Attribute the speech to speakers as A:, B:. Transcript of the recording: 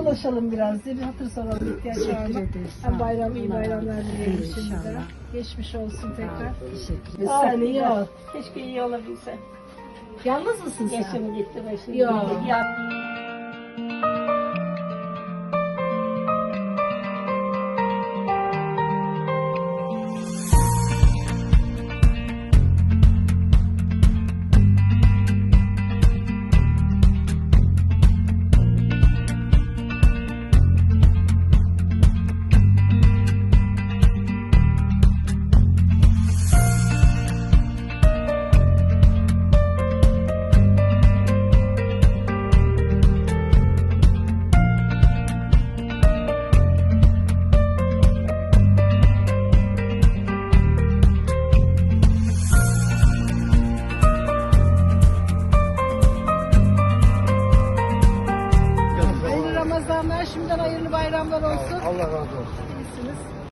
A: dolaşalım biraz diye bir hatır soralım ihtiyaç var mı? Hem bayram, iyi bayramlar dileyelim şimdiden. Geçmiş olsun tekrar.
B: Teşekkür ederim.
A: Sen iyi ol.
C: Keşke iyi olabilse.
A: Yalnız mısın sen?
C: Yaşım gitti başım
A: Yok.
C: gitti. Ya
A: Hayırlı Ramazanlar, şimdiden hayırlı bayramlar olsun.
D: Allah razı olsun.
A: İyisiniz.